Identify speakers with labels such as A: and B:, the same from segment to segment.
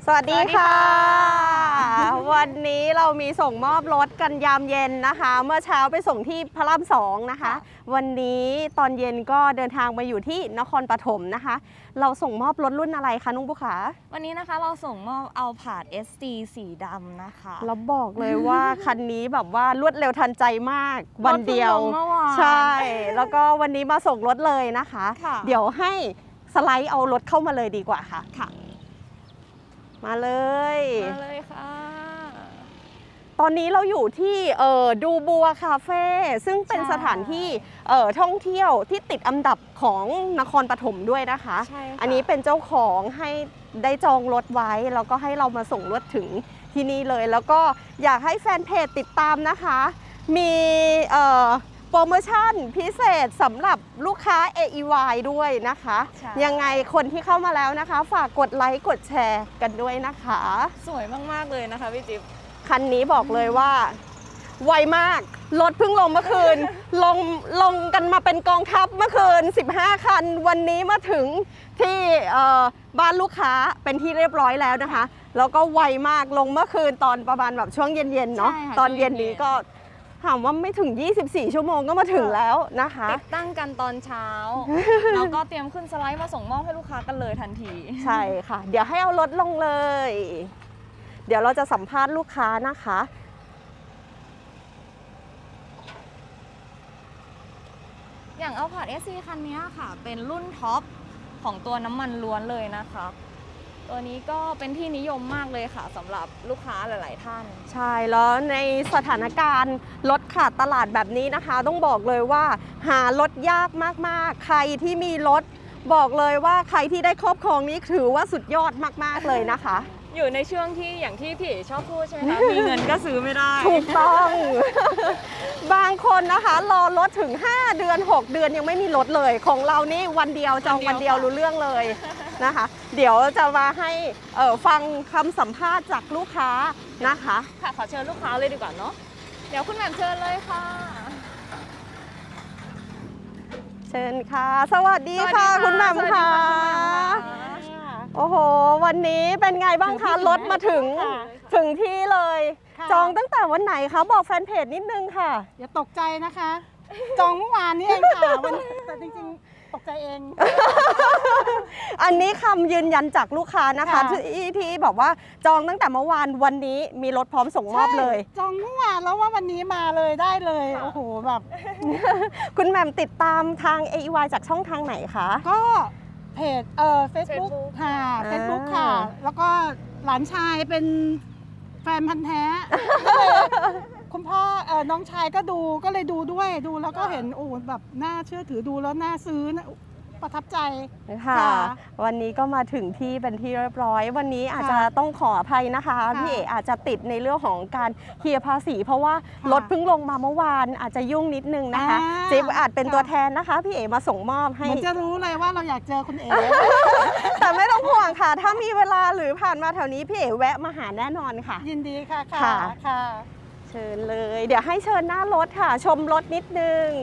A: สวัสดีค่ะวันนี้เรามีส่งมอบรถกันยามเย็นนะคะ เมื่อเช้าไปส่งที่พระราม2นะคะวันนี้ตอนเย็นก็เดินทางมาอยู่ที่นครปฐมนะคะ เราส่งมอบรถรุ่นอะไรคะนุ้งบุขา
B: วันนี้นะคะเราส่งมอบเอาผาด ST สีดำนะคะ
A: เราบอกเลยว่าคันนี้แบบว่ารวดเร็วทันใจมากวันเดียวใช่ แล้วก็วันนี้มาส่งรถเลยนะคะเดี๋ยวให้สไลด์เอารถเข้ามาเลยดีกว่าค่ะมาเลย
B: ค่ะ
A: ตอนนี้เราอยู่ที่ดูบัวคาเฟ่ซึ่งเป็นสถานที่ท่องเที่ยวที่ติดอันดับของนครปฐมด้วยนะคะอันนี้เป็นเจ้าของให้ได้จองรถไว้แล้วก็ให้เรามาส่งรถถึงที่นี่เลยแล้วก็อยากให้แฟนเพจติดตามนะคะมีโปรโมชั่นพิเศษสำหรับลูกค้า AEY ด้วยนะคะยังไงคนที่เข้ามาแล้วนะคะฝากกดไลค์กดแชร์กันด้วยนะคะ
B: สวยมากๆเลยนะคะพี่จิ๊บ
A: คันนี้บอกเลยว่าไวมากรถเพิ่งลงเมื่อคืน ลงกันมาเป็นกองทัพเมื่อคืน15คันวันนี้มาถึงที่บ้านลูกค้าเป็นที่เรียบร้อยแล้วนะคะแล้วก็ไวมากลงเมื่อคืนตอนประมาณแบบช่วงเย็นๆเนาะตอนเย็นนี้ก็ถามว่าไม่ถึง24ชั่วโมงก็มาถึงแล้วนะคะ
B: ติดตั้งกันตอนเช้าแล้วก็เตรียมขึ้นสไลด์มาส่งมอบให้ลูกค้ากันเลยทันที
A: ใช่ค่ะเดี๋ยวให้เอารถลงเลยเดี๋ยวเราจะสัมภาษณ์ลูกค้านะคะ
B: อย่างเอาผาด SC คันนี้ค่ะเป็นรุ่นท็อปของตัวน้ำมันล้วนเลยนะคะตัวนี้ก็เป็นที่นิยมมากเลยค่ะสำหรับลูกค้าหลายๆท่าน
A: ใช่แล้วในสถานการณ์รถขาดตลาดแบบนี้นะคะต้องบอกเลยว่าหารถยากมากๆใครที่มีรถบอกเลยว่าใครที่ได้ครอบครองนี้ถือว่าสุดยอดมากๆเลยนะคะ
B: อยู่ในช่วงที่อย่างที่พี่ชอบพูดใช่ไหมคะมีเงินก็ซื้อไม่ได้
A: ถูกต้องบางคนนะคะรอรถถึง5เดือน6เดือนยังไม่มีรถเลยของเรานี่วันเดียวจองวันเดียวรู้เรื่องเลยนะคะเดี๋ยวจะมาให้ฟังคำสัมภาษณ์จากลูกค้านะคะ
B: ค่ะขอเชิญลูกค้าเลยดีกว่าเนาะเดี๋ยวคุณแหม่มเชิญเลยค่ะ
A: เชิญค่ะสวัสดีค่ะคุณแหม่มค่ะโอ้โหวันนี้เป็นไงบ้างคะรถมาถึงที่เลยจองตั้งแต่วันไหนคะบอกแฟนเพจนิดนึงค่ะ
C: อย่าตกใจนะคะจองเมื่อวานนี้เองค่ะแต่จริงๆตกใจเอง
A: อันนี้คำยืนยันจากลูกค้านะคะที่บอกว่าจองตั้งแต่เมื่อวานวันนี้มีรถพร้อมส่งมอบเลย
C: จองเมื่อวานแล้วว่าวันนี้มาเลยได้เลยโอ้โหแบบ
A: คุณแหม่มติดตามทาง AEY จากช่องทางไหนคะ
C: ก็เพจFacebook ค่ะ Facebook ค่ะแล้วก็หลานชายเป็นแฟนพันธ์แท้คุณพ่อน้องชายก็ดูก็เลยดูด้วยดูแล้วก็เห็นโอ้แบบน่าเชื่อถือดูแล้วน่าซื้อประทับใจ
A: ค่ะวันนี้ก็มาถึงที่เป็นที่เรียบร้อยวันนี้อาจจะต้องขออภัยนะคะพี่เอ๋อาจจะติดในเรื่องของการเคลียร์ภาษีเพราะว่ารถเพิ่งลงมาเมื่อวานอาจจะยุ่งนิดนึงนะคะจิ๊บอาจเป็นตัวแทนนะคะพี่เอ๋มาส่งมอบให้
C: จะรู้เลยว่าเราอยากเจอคุณเอ๋
A: แต่ไม่ต้องห่วงค่ะถ้ามีเวลาหรือผ่านมาแถวนี้พี่เอ๋แวะมาหาแน่นอนค่ะ
C: ยินดีค่ะค่ะ
A: เชิญเลยเดี๋ยวให้เชิญหน้ารถค่ะชมรถนิดนึง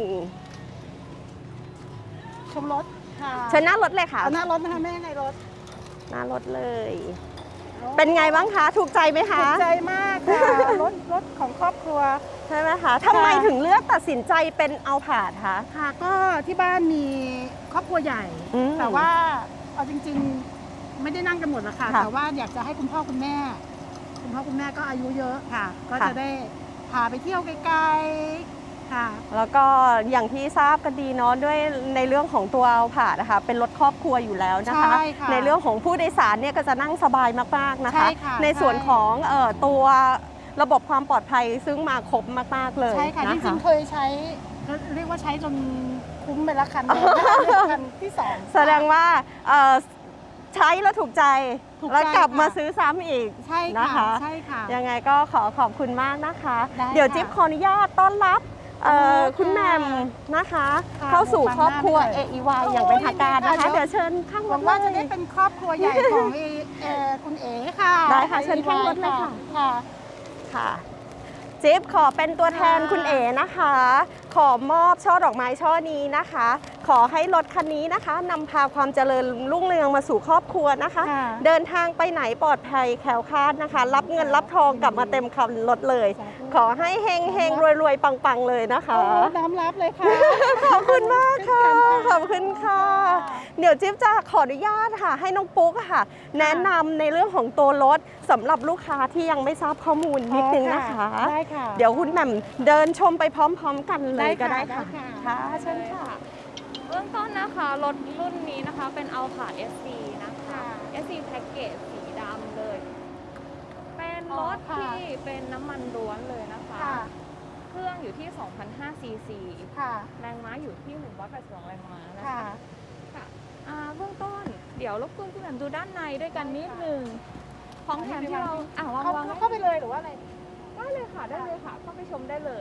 C: ชมรถ
A: เชิญหน้ารถเลยค่ะ
C: หน้ารถนะคะแม่ในรถ
A: หน้ารถเลยเป็นไงบ้างคะถูกใจไหมคะ
C: ถูกใจมากค่ะรถของครอบครัว
A: ใช่ไหมคะทำไมถึงเลือกตัดสินใจเป็นเอาผาดคะ
C: ค่ะก็ที่บ้านมีครอบครัวใหญ่แต่ว่าเอาจริงๆไม่ได้นั่งกันหมดหรอกค่ะแต่ว่าอยากจะให้คุณพ่อคุณแม่ก็อายุเยอะค่ะก็จะได้พาไปเที่ยวไกลๆค่ะ
A: แล้วก็อย่างที่ทราบกันดีเนาะด้วยในเรื่องของตัวเอาผาดนะคะเป็นรถครอบครัวอยู่แล้วนะคะในเรื่องของผู้โดยสารเนี่ยก็จะนั่งสบายมากๆนะคะในส่วนของตัวระบบความปลอดภัยซึ่งมาครบมากๆเลย
C: ใช่ค่ะจริงๆเคยใช้เรียกว่าใช้จนคุ้มไปละคันที่2
A: แสดงว่าใช้แล้วถูกใจแล้วกลับมาซื้อซ้ำอีกนะคะ
C: ใช่ค่ะ
A: ยังไงก็ขอบคุณมากนะคะเดี๋ยวจิ๊บขออนุญาตต้อนรับคุณแหม่มนะคะเข้าสู่ครอบครัว AEY อย่างเป็นทางการนะคะเดี๋ยวเชิญข้างรถ
C: ว่าจะได้เป็นครอบครัวใหญ่ของคุณเอ๋ค่ะ
A: ได้ค่ะเชิญข้างรถเลยค่ะจิ๊บขอเป็นตัวแทนคุณเอ๋นะคะขอมอบช่อดอกไม้ช่อนี้นะคะขอให้รถคันนี้นะคะนำพาความเจริญรุ่งเรืองมาสู่ครอบครัวนะคะ
C: ค่ะ
A: เดินทางไปไหนปลอดภัยแคล้วคลาดนะคะ รับเงินรับทองกลับมาเต็มคันรถเลย ขอให้เฮงเฮงรวยรวยๆปังๆเลยนะคะ
C: โอ้น้อมรับเลยค่ะ
A: ขอบคุณมากค่ะ
C: เช่นกัน
A: ขอบคุณค่ะ เดี๋ยวจิ๊บจะขออนุญาตค่ะ ให้น้องปุ๊กค่ะ แนะนำในเรื่องของตัวรถสำหรับลูกค้าที่ยังไม่ทราบข้อมูลนิดนึงนะคะ
C: ได้ค่ะ
A: เดี๋ยวคุณแหม่มเดินชมไปพร้อมๆกันเลยก็ได้ค่ะ
C: ได้ค่ะ
A: ค่ะเชิญค่ะ
B: เบื้องต้นนะคะรถรุ่นนี้นะคะเป็น Alphard SC นะคะ SC Package สีดำเลย เป็นรถที่เป็นน้ำมันล้วนเลยนะคะ
C: ค่ะ
B: เครื่องอยู่ที่ 2,500 ซีซี
C: ค่ะ
B: แรงม้าอยู่ที่ 182 แรงม้านะ
C: ค่ะ
B: คะค่ะเบื้องต้นเดี๋ยวรบกวนคุณแหม่มดูด้านในด้วยกันนิดนึงของแถมที่เราวาง
C: เข้าไปเลยหรือว่าอะไร
B: ได้เลยค่ะได้เลยค่ะเข้าไปชมได้เลย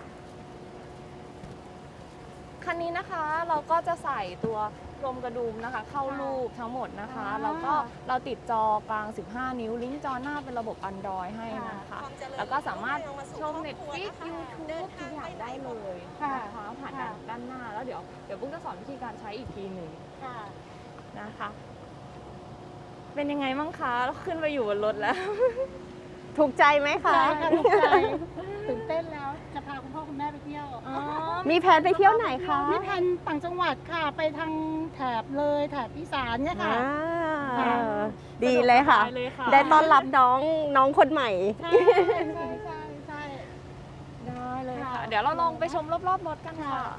B: คันนี้นะคะเราก็จะใส่ตัวกลมกระดุมนะคะ เข้ารูปทั้งหมดนะคะ แล้วก็เราติดจอกลาง 15 นิ้วลิงก์จอหน้าเป็นระบบ Android ให้นะคะ แล้วก็สามารถชม Netflix YouTube ทุกอย่างได้เลยนะคะผ่านด้านหน้าแล้วเดี๋ยวปุ๊กจะสอนวิธีการใช้อีกทีหนึ่ง
C: ค่ะ
B: นะคะ เป็นยังไงมั่งคะขึ้นไปอยู่บนรถแล้ว
A: ถูกใจไหมคะ
C: ใช่ค่ะถูกใจตื่นเต้นแล้วจะพาคุณพ่อคุณแม่ไปเที่ยว
A: มีแผนไปเที่ยวไหนคะ
C: มีแผนต่างจังหวัดค่ะ ไปทางแถบเลยแถบอีสานเนี่ยค่ะ
A: อ่าดีเลยค่ะ
B: สบายเลยค่ะ
A: ได้ต้อนรับน้องคนใหม่
C: ใช่ใช่
B: ได้เลยค่ะ
C: ค่ะ
B: เดี๋ยวเราลองไปชมรอบๆรถกันค่ะ
C: ค่ะ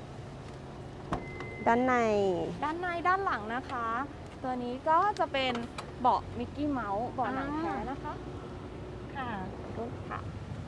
A: ด้านใน
B: ด้านในด้านหลังนะคะ ตัวนี้ก็จะเป็นเบาะมิกกี้เมาส์เบาะหนังแท้นะคะ
C: ค่ะ
B: รถค่ะ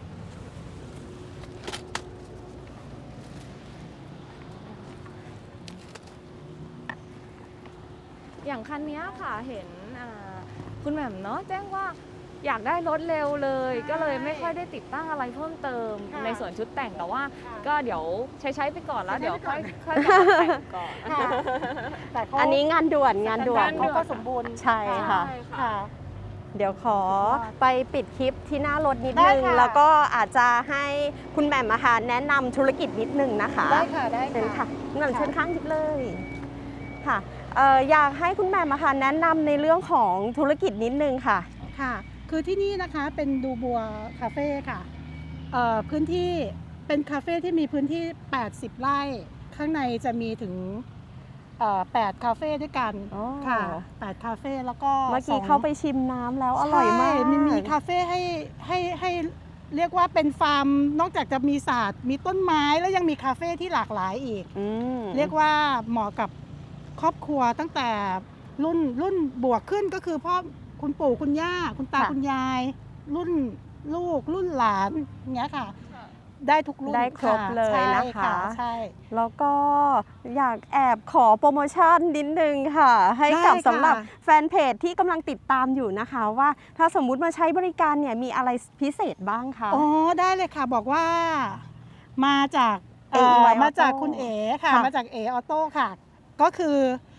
B: อย่างคันนี้ค่ะเห็นคุณแหม่มเนาะแจ้งว่าอยากได้รถเร็วเลย ก็เลยไม่ค่อยได้ติดตั้งอะไรเพิ่มเติม
C: ค่ะ
B: ในส่วนชุดแต่งแต่ว่า
C: ค่ะ
B: ก็เดี๋ยวใช้ไปก่อนแล้ว
C: ใช้
B: เดี๋ยว
C: ไปก่
B: ค่
C: อ
B: อน ยกลับมาแต่งก่อน
C: ค่ะแต่เขา
A: อันนี้งานด่วนงานด่วน
C: เขาก็สมบูรณ์
A: ใช่ค่ะ
C: ค่ะ
A: เดี๋ยวขอไปปิดคลิปที่หน้ารถนิด
C: ได้
A: นึง
C: ค่ะ
A: แล้วก็อาจจะให้คุณแหม่มอาหารแนะนำธุรกิจนิดนึงนะคะ
C: ได้ค่ะได้
A: เชิญค่ะ
C: ค่ะ
A: คุณแหม่มเชิญข้างนิดเลยค่ะอยากให้คุณแหม่มอาหารแนะนำในเรื่องของธุรกิจนิดนึงค่ะ
C: ค่ะ คือที่นี่นะคะเป็นดูบัวคาเฟ่ค่ะพื้นที่เป็นคาเฟ่ที่มีพื้นที่ 80 ไร่ ข้างในจะมีถึง8 คาเฟ่ด้วยกัน
A: อ๋อ
C: ค่ะ 8 คาเฟ่แล้วก็
A: เมื่อกี้
C: 2
A: เข้าไปชิมน้ำแล้วอร่อยมาก
C: ใช่มีคาเฟ่ให้เรียกว่าเป็นฟาร์มนอกจากจะมีศาสตร์มีต้นไม้แล้วยังมีคาเฟ่ที่หลากหลายอีก
A: อืม
C: เรียกว่าเหมาะกับครอบครัวตั้งแต่รุ่นบวกขึ้นก็คือพ่อคุณปู่คุณย่าคุณตาคุณยาย รุ่นลูกรุ่นหลานอย่างเงี้ยค่ะ ได้ทุกรุ่น
A: ได้ครบ
C: ะ
A: เลย
C: ใช่
A: นะคะ
C: ใช่
A: แล้วก็อยากแอบขอโปรโมชั่นนิดนึงค่ะ ให้กับ
C: ได้ค่ะ
A: สำหรับแฟนเพจที่กำลังติดตามอยู่นะคะ ว่าถ้าสมมุติมาใช้บริการเนี่ยมีอะไรพิเศษบ้างคะ
C: อ๋อได้เลยค่ะบอกว่ามาจาก
A: AEY
C: มาจาก
A: Auto
C: คุณเอ๋ค่ะ
A: ค่ะ
C: มาจากเอออโต้ค่ะ ก็คือ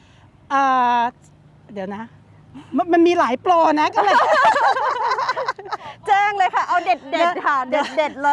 C: เดี๋ยวนะมันมีหลายโปรนะก็เลย
A: แจ้งเลยค่ะ เอาเด็ดเด็ดๆค่ะ เด็ดเด็ดๆเลย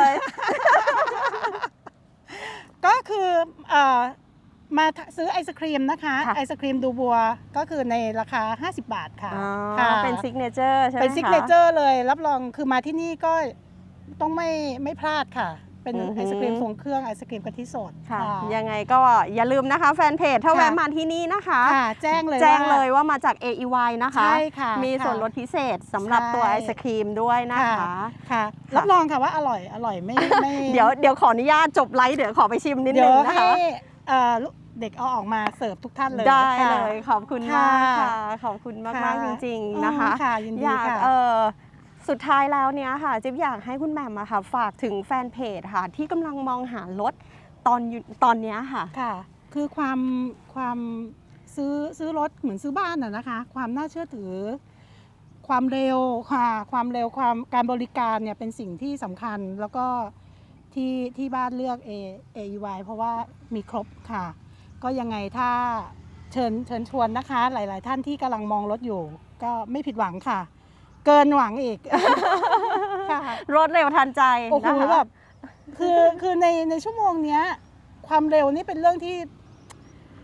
C: ก็คือมาซื้อไอศครีมนะคะ
A: ค่ะ
C: ไอศครีมดูบัวก็คือในราคา 50 บาทค่ะ
A: อ๋อ
C: ค่ะ
A: เป็นซิกเนเจอร์ใช่ไหมคะ
C: เป็นซิกเนเจอร์เลยรับรองคือมาที่นี่ก็ต้องไม่พลาดค่ะ เป็น
A: อือหือ
C: ไอศครีมทรงเครื่องไอศครีมกะทิสด
A: ค่ะ ยังไงก็อย่าลืมนะคะแฟนเพจถ้า
C: ค่ะ
A: แวะมาที่นี่นะคะ
C: ค่ะ แจ้งเลย
A: แจ้ง
C: ว่า
A: เลยว่ามาจาก AEY นะคะ
C: ใช่ค่ะ
A: มี
C: ค่ะ
A: ส่วนลดพิเศษสำหรับ
C: ใช่
A: ตัวไอศครีมด้วยนะคะ
C: ค่ะ รับรองค่ะว่าอร่อยไม่
A: เดี๋ยวขออนุญาตจบไลฟ์เดี๋ยวขอไปชิมนิด
C: เดี๋
A: นึ
C: ยว
A: งนะ
C: ให้
A: คะ
C: เด็กเอาออกมาเสิร์ฟทุกท่านเลย
A: ได้
C: ค่ะ
A: เลยขอบคุณมากค่ะ ขอบคุณมากๆจริงๆนะคะ
C: ค่ะยิน
A: อ
C: ดี
A: ยาก
C: ค่ะ
A: สุดท้ายแล้วเนี้ยค่ะจิ๊บอยากให้คุณแหม่มอะค่ะฝากถึงแฟนเพจค่ะ ที่กำลังมองหารถตอนเนี้ยค่ะ
C: ค่ะ คือความซื้อรถเหมือนซื้อบ้านน่ะนะคะ ความน่าเชื่อถือ ความเร็วค่ะความเร็วความการบริการเนี่ยเป็นสิ่งที่สำคัญแล้วก็ที่บ้านเลือก AEY เพราะว่ามีครบค่ะ ก็ยังไงถ้าเชิญชวนนะคะ หลาย ๆ ท่านที่กำลังมองรถอยู่ ก็ไม่ผิดหวังค่ะ เกินหวังอีก ค่ะ
A: รถเร็วทันใจ
C: โอ้โห
A: นะคะ
C: แบบคือในชั่วโมงเนี้ยความเร็วนี่เป็นเรื่องที่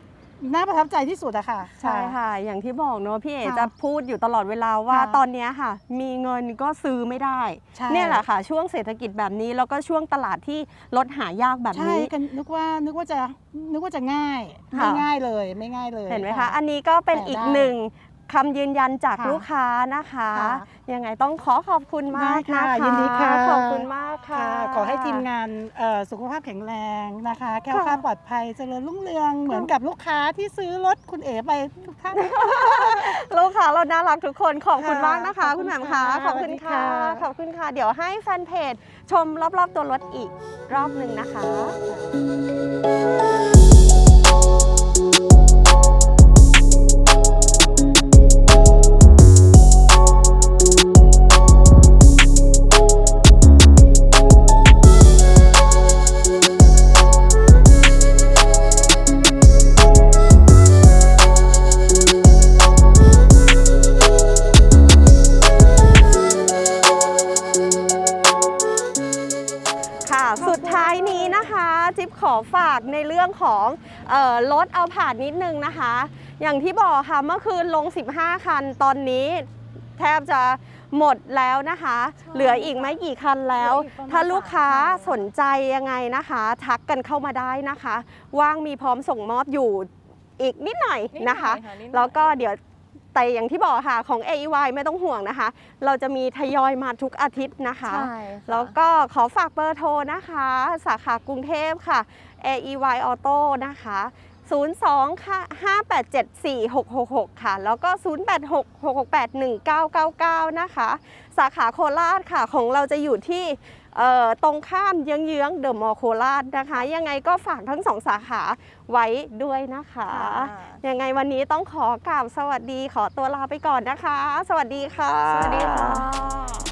C: น่าประทับใจที่สุดอะค่ะ
A: ใช่ค่ะ อย่างที่บอกเนอะพี่เอ๋
C: ค่ะ
A: จะพูดอยู่ตลอดเวลาว่า
C: ค่ะ
A: ตอนเนี้ยค่ะ มีเงินก็ซื้อไม่ได้
C: ใช่
A: เนี่ยแหละค่ะ ช่วงเศรษฐกิจแบบนี้แล้วก็ช่วงตลาดที่รถหายากแบบ
C: ใช่
A: นี้
C: กันนึกว่าจะง่าย
A: ค่ะ
C: ไม่ง่ายเลยไม่ง่ายเลย
A: เห็นไหมคะ อันนี้ก็เป็น
C: แต่
A: อีก
C: ได้
A: หนึ่งคำยืนยันจาก
C: ค่ะ
A: ลูกค้านะคะ
C: ค่ะ
A: ยังไงต้องขอบคุณมาก
C: ได้
A: นะ
C: ค่ะ
A: คะ
C: ยินดีค่ะ
A: ขอบคุณมากค่ะ
C: ค่ะขอให้ทีมงานสุขภาพแข็งแรงนะคะแคล้วคลาดปลอดภัยเจริญรุ่งเรืองเหมือนกับลูกค้าที่ซื้อรถคุณเอ๋ไปทุกท่าน
A: ลูกค้าเราน่ารักทุกคนขอบคุณ
C: ค่ะ
A: มากนะคะ
C: ขอบคุ
A: คุณ
C: ณ
A: แหม่มค่ะ
C: ค่ะ
A: ขอบคุณค่ะ
C: สวัสดีค่ะ
A: ขอบคุณค่ะ เดี๋ยวให้แฟนเพจชมรอบๆตัวรถอีกรอบหนึ่งนะคะ ค่ะสุดท้ายนี้นะคะจิ๊บขอฝากในเรื่องของรถเอาผ่านนิดนึงนะคะ อย่างที่บอกค่ะเมื่อคืนลง 15 คันตอนนี้แทบจะหมดแล้วนะคะ เหลืออีกไม่กี่คันแล้ว
B: เหลืออีกประมาณ
A: ถ้าลูกค้า
B: 3 คัน
A: สนใจยังไงนะคะ ทักกันเข้ามาได้นะคะ ว่างมีพร้อมส่งมอบอยู่อีกนิดหน่อยนะคะ
B: นิดหน่อยค่ะนิดหน่อย
A: แล้วก็เดี๋ยวแต่อย่างที่บอกค่ะของ AEY ไม่ต้องห่วงนะคะ เราจะมีทยอยมาทุกอาทิตย์นะคะ
B: ใช่ค่ะ
A: แล้วก็ขอฝากเบอร์โทรนะคะ สาขากรุงเทพค่ะ AEY Auto นะคะ02ค่ะ5874666 ค่ะ แล้วก็ 0866681999 นะคะ สาขาโคราชค่ะ ของเราจะอยู่ที่ตรงข้ามเยื้องๆเดอะมอลล์โคราชนะคะ ยังไงก็ฝากทั้ง2สาขาไว้ด้วยนะคะ ยังไงวันนี้ต้องขอกราบสวัสดีขอตัวลาไปก่อนนะคะ สวัสดีค่ะ
B: สวัสดีค่ะ